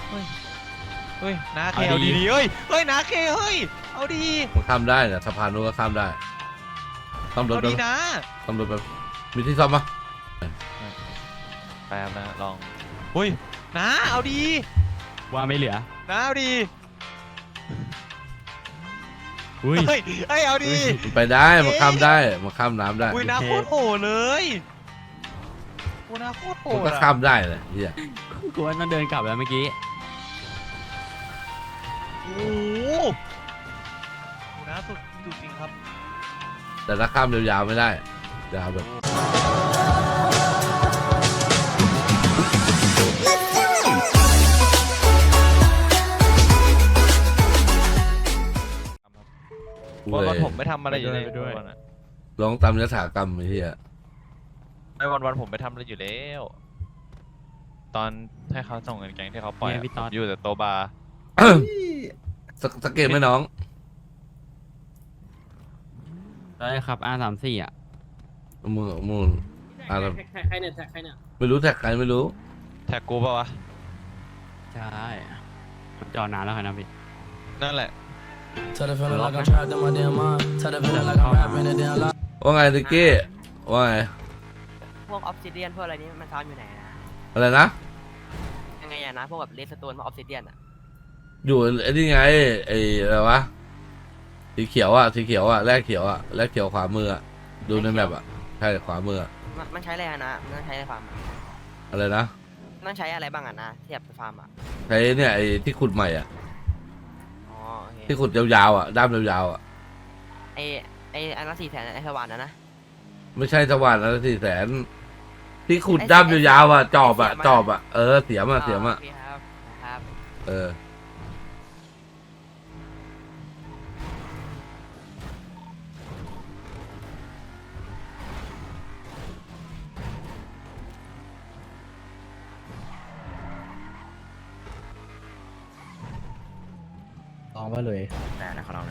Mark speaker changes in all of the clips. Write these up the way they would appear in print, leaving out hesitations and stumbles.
Speaker 1: เฮ้ยเฮ้ยนาเคเอาดีๆเฮ้ยเฮ้ยนาเคเฮ้ยเอาดี
Speaker 2: มันข้ามได้เนี่ยสะพานนู้นก็ข้ามได้ซ่อมรถ
Speaker 1: เอา
Speaker 2: ไป
Speaker 1: ดีนะ
Speaker 2: ซ่อมรถไปมีที่ซ่อมปะ
Speaker 1: แป๊บนะลองเฮ้ยนาเอาดี
Speaker 3: ว่าไม่เหลือ
Speaker 1: นาเอาดี
Speaker 3: อุ้ย
Speaker 1: เฮ้ยเฮ้ยเอาดี
Speaker 2: มันไปได้มันข้ามได้มันข้ามน้ำได้
Speaker 1: อุ้ยนาโคตรโหดเลยโอ้นาโคตรโห
Speaker 2: มัน
Speaker 1: ด
Speaker 2: ก็
Speaker 1: อะ
Speaker 2: ข้ามได้เลยเฮีย
Speaker 3: กูว่าต้องเดินกลับแล้วเมื่อกี้
Speaker 1: โอ้โหนาสุดจริงครับ
Speaker 2: แต่ถ้าข้ามยาวๆไม่ได้ยาวแบบ
Speaker 1: วันผมไม่ทำอะไรอยู่เลยด้วย
Speaker 2: ลองตามยถากรรมไอ้เฮีย
Speaker 1: ไม่วันผมไม่ทำอะไรอยู่แล้ว ตอนให้เขาส่งเงินแกงที่เขาปล่อยอยู่แต่โตบาร์
Speaker 2: สังเกตไหมน้อง
Speaker 3: ได้ครับ R34อ่ะ
Speaker 2: มูลอะไร
Speaker 4: ใครเนี่ยใครเนี่ย
Speaker 2: ไม่รู้แท็กใครไม่รู้
Speaker 1: แท็กกูป่าวะ
Speaker 3: ใช่มันจอดนานแล้วครับนะพี่
Speaker 1: นั่นแหละ
Speaker 2: ว่าไงติกกี้ว่าไง
Speaker 4: พวกออฟซิเดียนพวกอะไรนี้มันซ้อนอยู่ไหนนะ
Speaker 2: อะไรนะ
Speaker 4: ยังไงอะนะพวกแบบเลสโตนพวกออฟซิเดียนอะ
Speaker 2: อยู่ไอ้นี่ไงไอ้อะไรวะสีเขียวอ่ะสีเขียวอ่ะแรกเขียวอ่ะแรกเขียวขวามืออ่ะดูในแมปอ่ะใช่ขวามืออะ
Speaker 4: มันใช้อะไรอะนะมันต้องใช้อะไรฟาร์มอะ
Speaker 2: อะไรนะ
Speaker 4: ต้องใช้อะไรบ้างอะนะที่แบบไปฟาร์มอะ
Speaker 2: ใช้เนี่ยไอ้ที่ขุดใหม่อ่ะ
Speaker 4: อ๋อโอเค
Speaker 2: ที่ขุดยาวๆอ่ะด้ามยาวๆอ่ะ
Speaker 4: ไออันละ400,000ไอสวรรค์นะ
Speaker 2: ไม่ใช่สว่านแล้ว400,000ที่ขุดด้ามยาวๆอ่ะจอบอ่ะจอบอ่ะเสียมอ่ะ
Speaker 4: โอเคครับครับ
Speaker 2: เออ
Speaker 5: ลองมาเลย
Speaker 4: แต่นะขอลองหน่อย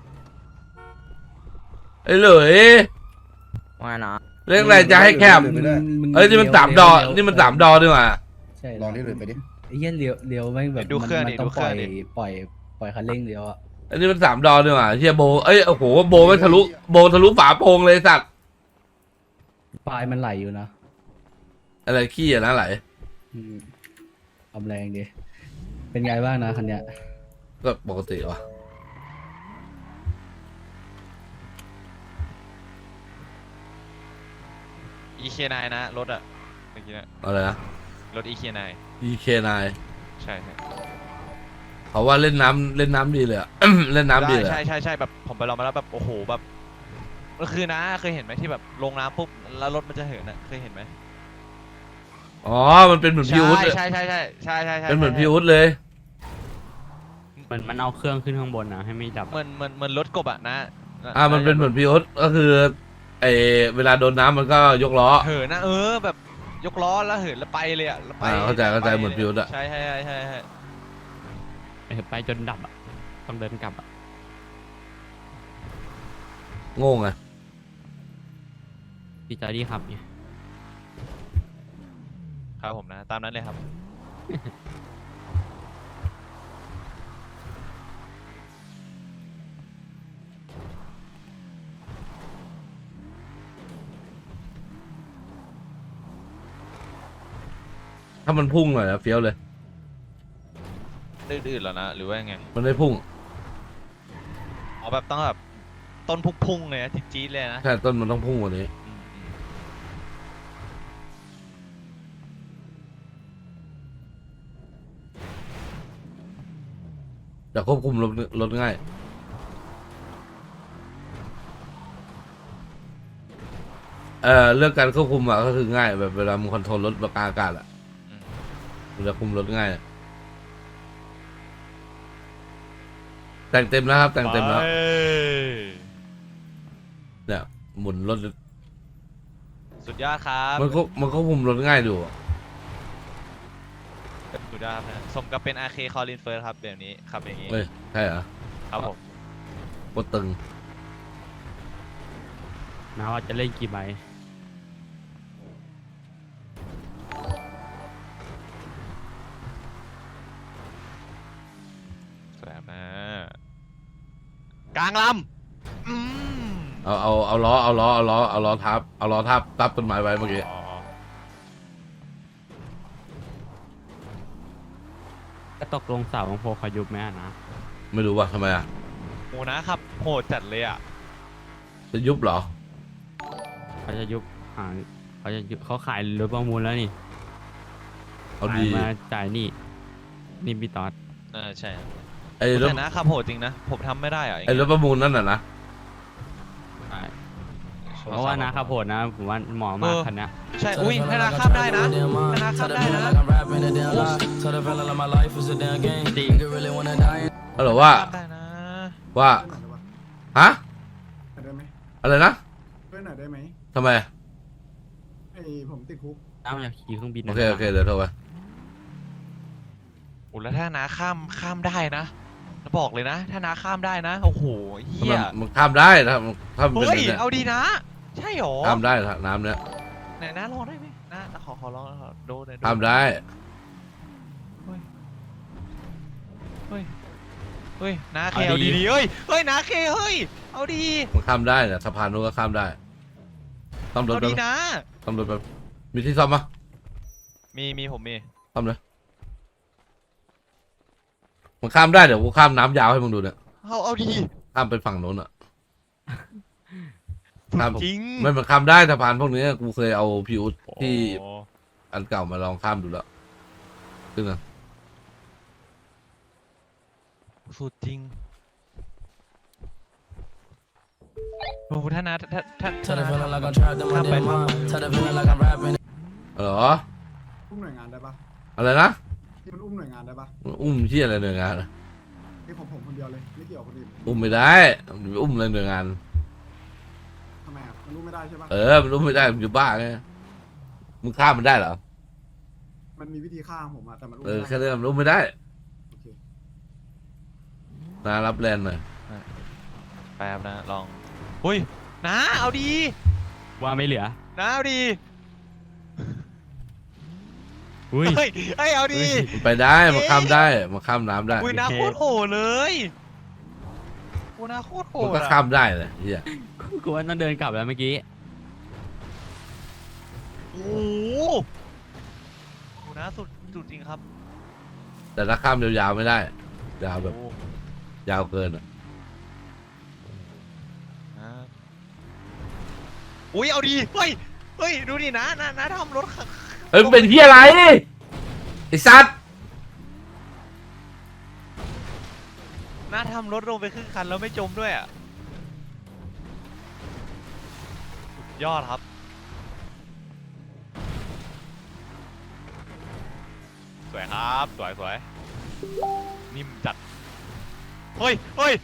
Speaker 2: ไอ้เหลย
Speaker 4: ว่านะ
Speaker 2: เรื่องอะไรจะให้แคบเอ้ยนี่มัน3 ดอนี่มัน3 ดอดีกว่า
Speaker 5: ใช่
Speaker 6: ลองที่เลยไปดิ
Speaker 5: ไอ้เหี้ยเลี้ยวแม่งแบบ
Speaker 1: ดูเครื่องดิ
Speaker 5: มันต้
Speaker 1: ดู
Speaker 5: อง
Speaker 1: เค
Speaker 5: ป
Speaker 1: รื่
Speaker 5: ล่
Speaker 1: อ
Speaker 5: อง ย
Speaker 1: ดิ
Speaker 5: ปล่อยคันเร่งเลี้ยวอะ
Speaker 2: อันนี้มัน3 ดอดีกว่าเฮียโบเอ้ยโอ้โหโบไม่ทะลุโบทะลุฝาโปรงเลยสัตว์
Speaker 5: ปลายมันไหลอยู่นะ
Speaker 2: อะไรขี้อะนะไหล
Speaker 5: อืมทำแรงดิเป็นไงบ้างนะคันเนี้ย
Speaker 2: ก็ปกติวะ
Speaker 1: EK9 นะรถอะเมื่อกี้นะ
Speaker 2: อะไรนะ
Speaker 1: รถ EK9
Speaker 2: EK9
Speaker 1: ใช่ใช่
Speaker 2: เขาว่าเล่นน้ำดีเลยอะ เล่นน้ำดีเลย
Speaker 1: ใช่ใช่ใช่แบบผมไปลองมาแล้วแบบโอ้โหแบบก็คือนะเคยเห็นไหมที่แบบลงน้ำปุ๊บแล้วรถมันจะเหินอะเคยเห็นไหม
Speaker 2: อ๋อมันเป็นเหมือนพี่อุ๊ดเลย
Speaker 1: ใช่ใช่ใช่ใช่ใช่ใช่
Speaker 2: เป็นเหมือนพี่อุ๊ดเลย
Speaker 3: เหมือนมันเอาเครื่องขึ้นข้างบนนะให้ไม่ดับ
Speaker 1: เหมือนรถกบอะนะ
Speaker 2: มันเป็นเหมือนพี่อุ๊ดก็คือไอเวลาโดนน้ำมันก็ยกล้อ
Speaker 1: เหินนะแบบยกล้อแล้วเหินแล้วไปเลยอะแล้วไป
Speaker 2: เข้าใจเหมือนพิวต์อะ
Speaker 1: ใช่ใช่ใช่ใช่ใช่
Speaker 3: ไปจนดับอ่ะ ต้องเดินกลับอ่ะ
Speaker 2: โง่ไง
Speaker 3: พี่จอร์ดี้ขับไง
Speaker 1: ครับผมนะตามนั้นเลยครับ
Speaker 2: ถ้ามันพุ่งหน่อยนะเฟี้ยวเลย
Speaker 1: ดื้อๆแล้วนะหรือว่ายังไง
Speaker 2: มันไม่พุ่ง
Speaker 1: อ๋อแบบต้องแบบต้นพุ่งเลยนะจี๊ดๆเลยนะ
Speaker 2: ใช่ต้นมันต้องพุ่งกว่านี้
Speaker 1: อืม
Speaker 2: แต่ควบคุมรถง่ายเรื่องการควบคุมอะก็คือง่ายแบบเวลามึงคอนโทรลรถแบบกลางอากาศอะ
Speaker 1: อืม
Speaker 2: มันจะคุมรถง่ายอะแต่งเต็มแล้วครับ แต่งเต็มแล้ว
Speaker 1: ไป
Speaker 2: เนี่ยหมุนรถ
Speaker 1: สุดยอดครับ
Speaker 2: มันควบคุมรถง่ายดูอะ
Speaker 1: สุดยอดครับนะสมกับเป็น RK Colin First ครับแบบนี้ขับอย่างนี้
Speaker 2: เฮ้ยใช่เหรอ
Speaker 1: ครับผม
Speaker 2: โคตรตึง
Speaker 3: นะว่าจะเล่นกี่ใบ
Speaker 1: กลางลำ
Speaker 2: เอาล้อทับต้นไม้ไว้เมื่อกี้
Speaker 1: อ๋อ
Speaker 3: ก็ตกลงเสาของโพขยุบไหมอะนะ
Speaker 2: ไม่รู้ว่าทำไมอ่ะ
Speaker 1: โหนะครับโหดจัดเลยอ่ะ
Speaker 2: จะยุบเหรอ
Speaker 3: เขาจะยุบเขาจะยุบเขาขายรถประมูลแล้วนี่
Speaker 2: เอา
Speaker 3: ขาย
Speaker 2: ดี
Speaker 3: มาจ่ายนี่พี่ตอด
Speaker 1: ใช่ครับ
Speaker 2: ไอ้รถ
Speaker 1: แต่นะครับโหดจริงนะผมทำไม่ได้อ่ะ
Speaker 2: ไอ้รถประมูลนั่นน่ะนะ
Speaker 3: เพราะว่านะครับโหดนะผมว่าเหมาะมากคันเนี้ย
Speaker 1: ใช่อุ้ยธนาคารได้นะธนาคารได้นะ
Speaker 3: จริง
Speaker 2: เอาเหรอว่า
Speaker 1: ได้นะ
Speaker 2: ว่าฮะ
Speaker 6: ได้ไหม
Speaker 2: อะไรนะ
Speaker 6: ช่วยหน่อยได้ไหม
Speaker 2: ทำไม
Speaker 6: ไอ้ผมติดคุก
Speaker 3: น้ำอยากขี่เครื่องบิน
Speaker 2: โอเคเดี๋ยวโทรไป
Speaker 1: โอ้แล้วถ้านาข้ามได้นะบอกเลยนะถ้านาข้ามได้นะโอ้โหเฮีย
Speaker 2: มันข้ามได้ถ้ามันเป็น
Speaker 1: เฮ้ย
Speaker 2: แบบเนี้ย
Speaker 1: เอาดีนะ ใช่หรอ
Speaker 2: ข้ามได้น้ำเนี้ย
Speaker 1: ไหนนะลองได้ไหมนะขอลองดูหน่อย
Speaker 2: ข้ามได้
Speaker 1: เฮ้ยนาเคเอาดีๆเฮ้ยนาเคเฮ้ยเอาดี
Speaker 2: มันข้ามได้เนี่ยสะพานนู้นก็ข้ามได้ซ่อมรถ
Speaker 1: เอา
Speaker 2: ไป
Speaker 1: ดีนะ
Speaker 2: ซ่อมรถไปมีที่ซ่อมปะ
Speaker 1: มีผมมี
Speaker 2: ซ่อมเลยมันข้ามได้เดี๋ยวกูข้ามน้ำยาวให้มึงดูเนี่ย
Speaker 1: เอาดี
Speaker 2: ข้ามไปฝั่งโน้นอ่ะ ข้าม
Speaker 1: จริง
Speaker 2: ไม่มันข้ามได้สะพานพวกนี้กูเคยเอาพิวที่
Speaker 1: โอ้
Speaker 2: อันเก่ามาลองข้ามดูแล้วขึ้นนะ
Speaker 1: สุดจริงโอ้ถ้านาข้ามไป
Speaker 2: เหรอ
Speaker 6: อุ้มหน่วยงานได้ปะ
Speaker 2: อะไรนะ
Speaker 6: ที่มันอุ้มหน่วยงานได้ปะ
Speaker 2: อุ้มที่อะไรหน่วยงานอะ
Speaker 6: ที่ผมคนเดียวเลยไม่เกี่ยวกับคนอื่น
Speaker 2: อุ้มไม่ได้อุ้มอะไรหน่วยงาน
Speaker 6: ทำไมอ่ะมันอุ้มไม่ได้ใช่ปะ
Speaker 2: มันอุ้มไม่ได้มันอยู่บ้าไงมึงข้ามมันได้เหรอ
Speaker 6: มันมีวิธีฆ่าผมอ่ะแต่มันอุ้ม
Speaker 2: แค่
Speaker 6: ไม่ได้
Speaker 2: นั้นมันอุ้มไม่ได้
Speaker 6: โอเค
Speaker 2: นารับแลนด์หน่อย
Speaker 1: แป๊บนะลองอุ้ยนาเอาดี
Speaker 3: ว่าไม่เหลือ
Speaker 1: นาเอาดี
Speaker 3: อุ้ย
Speaker 1: เฮ้ยเอาดี
Speaker 2: มันไปได้มันข้ามได้มันข้ามน้ำได้
Speaker 1: อุ้ยนาโคตรโหดเลยโอ้นาโคตรโห
Speaker 2: มัน
Speaker 1: ด
Speaker 2: ก็
Speaker 1: อะ
Speaker 2: ข้ามได้เลยเฮีย
Speaker 3: กูว่าต้องเดินกลับแล้วเมื่อกี้
Speaker 1: โอ้โหโหนาสุดจริงครับ
Speaker 2: แต่ถ้าข้ามยาวๆไม่ได้ยาวแบบ
Speaker 1: โอ้
Speaker 2: ยาวเกินอ่ะ
Speaker 1: นะอุ้ยเอาดีเฮ้ยดูดินะทำรถ
Speaker 2: เฮ้ยมันเป็นเฮียอะไรไอ้สัตว์
Speaker 1: น้าทำรถลงไปครึ่งคันแล้วไม่จมด้วยอ่ะสุดยอดครับสวยครับสวยนิ่มจัดเฮ้ย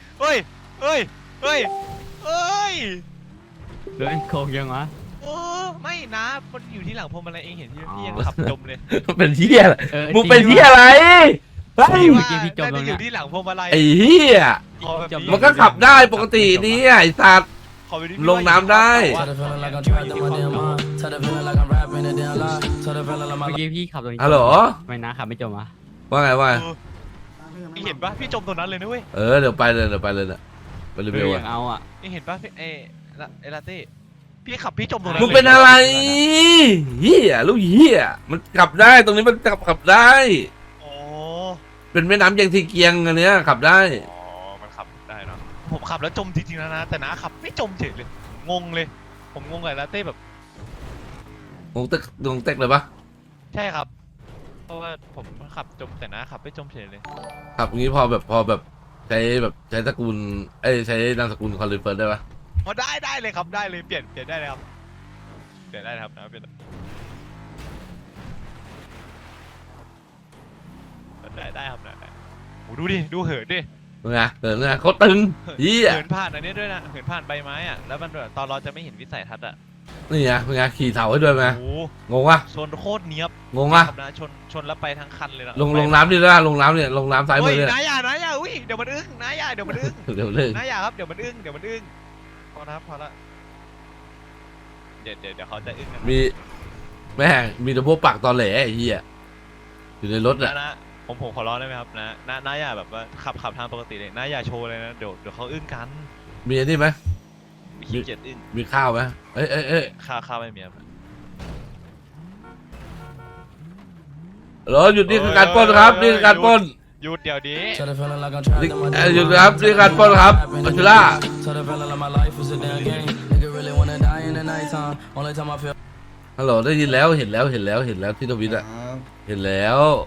Speaker 3: เดินโค้งยังวะ
Speaker 1: โอ้ไม่นะมันอยู่ที่หลังพวงมาลัยเองเห็นพี่ยังขับจมเลย
Speaker 2: มันเป็นเฮียอะไร
Speaker 3: จริ
Speaker 2: มึงเป็นเฮียอะไรเฮ้ย
Speaker 3: เมื่อกี้พี่จมตรง
Speaker 1: อ
Speaker 3: เนี้ย
Speaker 1: ยู่ที่หลังพวงมาลัย
Speaker 2: ไอ้เฮีย
Speaker 1: ขอแบบ
Speaker 2: มันก็ขับได้ปกตินี่ไอ้สัตว์
Speaker 1: ขอแบบนี้
Speaker 2: ลงน้ำได้
Speaker 3: เมื่อกี้พี่ขับตรงนี้
Speaker 2: ฮัลโหล
Speaker 3: ทำไม่นะขับไม่จมวะ
Speaker 2: ว่าไงว่าไง
Speaker 6: ตั้งให้ยังไม่
Speaker 1: เห็นปะพี่จมตรงนั้นเลยนะเว้ย
Speaker 2: เดี๋ยวไปเลยเนี่ยไปรี
Speaker 3: เฮ้
Speaker 2: วิ
Speaker 3: ยว อ
Speaker 2: อ่ะ
Speaker 3: ยากเอาอ่ะ
Speaker 1: เห็นปะเอลาเต้พี่ขับพี่จมตรงนั้น
Speaker 2: มึง
Speaker 1: ลย
Speaker 2: เป็นอะไรเฮียลูกเฮียมันขับได้ตรงนี้มันขับได้
Speaker 1: โอ้
Speaker 2: เป็นแม่น้ำยังทีเกียงอันเนี้ยขับได้
Speaker 1: อ๋อมันขับได้เนาะผมขับแล้วจมจริงๆนะแต่น้าขับไม่จมเฉยเลยงงเลย ผมงงกับลาเต้แบบ
Speaker 2: งงเต็กเลยปะ
Speaker 1: ใช่ครับ เพราะว่าผมขับจมแต่น้าขับไม่จมเฉยเลย
Speaker 2: ขับอย่างนี้พอแบบใช้ตระกูลใช้นามสกุลคอนลิเฟิร์ได้ปะ
Speaker 1: พอได้เลยครับได้เลยเปลี่ยนได้เลยครับเปลี่ยนได้ครับนะเปลี่ยนได้ครับได้โอ้ดูดิดูเหินดิ
Speaker 2: ไงเขาตึงเฮีย
Speaker 1: เหินผ่านอันนี้ด้วยนะเหินผ่านใบไม้อะแล้วมันแบบตอนเราจะไม่เห็นวิสัยทัศน์อะ
Speaker 2: นี่ไงเป็นไงขี่เสาให้ด้วยไหม
Speaker 1: โอ้
Speaker 2: งงวะ
Speaker 1: ชนโคตรเนี้ยบ
Speaker 2: งงวะ
Speaker 1: ครับนะชนแล้วไปทั้งคันเลยนะ
Speaker 2: ลงน้ำดิด้วยลงน้ำเนี่ยลงน้ำซ้ายมื
Speaker 1: เฮ้
Speaker 2: อยเนี่ย
Speaker 1: นายอย่าอุ้ยเดี๋ยวมันอึ้งนายอย่าเดี๋ยวมันอึ้ง
Speaker 2: เดี๋ยวเลิก
Speaker 1: นายอย่าครับเดี๋ยวมันอึ้งพอนะพอละเดี๋ยวเขาจะอึ้งกัน
Speaker 2: มีแม่งมีแต่พวกปากตอแหลไอ้เหี้ยอยู่ในรถ
Speaker 1: นะ
Speaker 2: อะ
Speaker 1: นะผมขอร้องได้ไหมครับน้าอย่าแบบว่าขับทางปกติเลยน้าอย่าโชว์เลยนะเดี๋ยวเขาอึ้งกัน
Speaker 2: มีอันนี้ไหม
Speaker 1: ขี้เกียจอึ้ง
Speaker 2: มีข้าวไหมเอ้ย
Speaker 1: ข้าวไม่มีครับ
Speaker 2: เหรอหยุดนี่คือการปล้นครับนี่คือการปล้น
Speaker 1: หยุดเดี๋ยวนี้
Speaker 2: นี่หยุดครับนี่คือการปล้นครับอัชล่าฮัลโหลได้ยินแล้วเห็นแล้วที่ทวิตอะเห็นแล้ว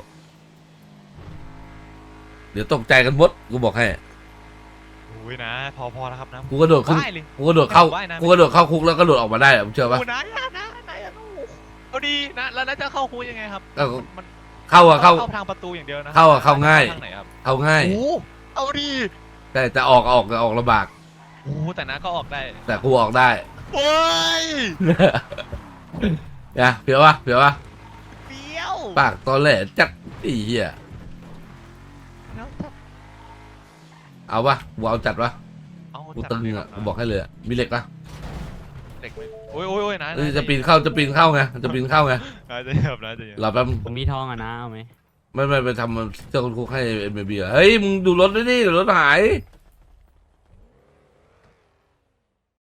Speaker 2: เดี๋ยวตกใจกันหมดกูบอกให้
Speaker 1: อุ้ยนะพอแล้วครับนะ
Speaker 2: กูกระโดดขึ้น
Speaker 1: ว่ายเลย
Speaker 2: กูกระโดดเข้า
Speaker 1: ว่ายน้ำ
Speaker 2: กูกระโดดเข้าคุกแล้วก็โดดออกมาได้อะมึงเชื่อปะ
Speaker 1: โอ้นะอย่าเอาดีนะแล้วน่าจะเข้าคุยยังไงครับ
Speaker 2: ก็
Speaker 1: มัน
Speaker 2: เข้าอะเข้า
Speaker 1: ทางประตูอย่างเดียวนะ
Speaker 2: เข้าอะเข้าง่าย
Speaker 1: ทางไหนครับ
Speaker 2: เข้าง่าย
Speaker 1: โอ้เอาดี
Speaker 2: แต่ออกลำบาก
Speaker 1: โอ้แต่นะก็ออกได้
Speaker 2: แต่กูออกได้
Speaker 1: โอ้ย
Speaker 2: เนี่ยเพียววะ
Speaker 1: เปรี้ยว
Speaker 2: ปากตอนแหลจัดไอ้เหี้ย
Speaker 1: แล้วถ้า
Speaker 2: เอาปะกูเอาจัดปะ
Speaker 1: เอา
Speaker 2: กู
Speaker 1: จัด
Speaker 2: ตึง
Speaker 1: เลยค
Speaker 2: อ่ะ
Speaker 1: รับ
Speaker 2: กูบอกให้เลยอะมีเหล็กปะ
Speaker 1: เด็กไหมโอ้ยนะ
Speaker 2: เอ้ยจะปีนเข้าไงจะปีนเข้าไง
Speaker 1: นะจะเหยียบนะจะเหยียบ
Speaker 2: รอแป๊บ
Speaker 3: ผมมีทองอ่ะนะเอาไหม
Speaker 2: ไม่ไปทำเจ้าคุณครูให้เอ็มบีเฮ้ยมึงดูรถด้วยนี่เดี๋ยวรถหาย